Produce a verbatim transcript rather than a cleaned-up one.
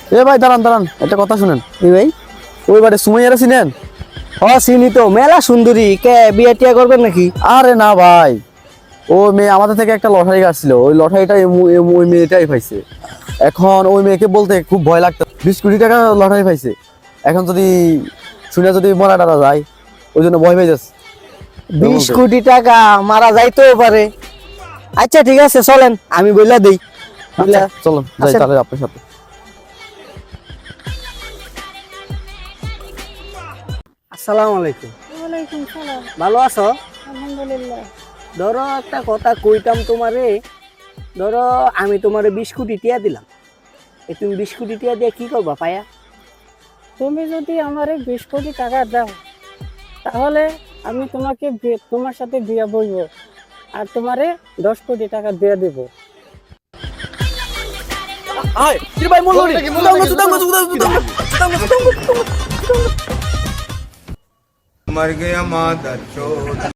এ ভাই দাঁড়ান দাঁড়ান, একটা কথা শুনেন। এই ভাই, ওই বাড়ি সুমাইয়ারা চিনেন? হ চিনি তো, মেলা সুন্দরী। কে বিয়ে টিয়া করবেন নাকি? আরে না ভাই, ও মেয়ে আমাদের থেকে একটা লটারি কাটছিল, ওই লটারিটা ওই মেয়েটাই পাইছে। এখন ওই মেয়েকে বলতে খুব ভয় লাগতো, বিশ কোটি টাকা লটারি পাইছে। এখন যদি শুনে যদি মরা টারা যায়, ওই জন্য ভয় পেয়ে যাচ্ছে। বিশ কোটি টাকা মারা যাইতেও পারে। আচ্ছা ঠিক আছে, চলেন আমি বইলা দেই। আচ্ছা, চলো যাই আচ্ছা। তাহলে আপনার সাথে। আসসালামু আলাইকুম। ওয়ালাইকুম সালাম। ভালো আছো? আলহামদুলিল্লাহ। ধরো একটা কথা কইতাম তোমারে। ধরো আমি তোমারে বিশ কোটি টিয়া দিলাম, এ তুমি বিশ কোটি টিয়া দিয়ে কি করবা পায়া? তুমি যদি আমারে বিশ কোটি টাকা দাও, তাহলে আমি তোমাকে বিয়ে- তোমার সাথে বিয়ে বইব, আর তোমারে দশ কোটি টাকা দিয়ে দেব। मर गया मादर चोद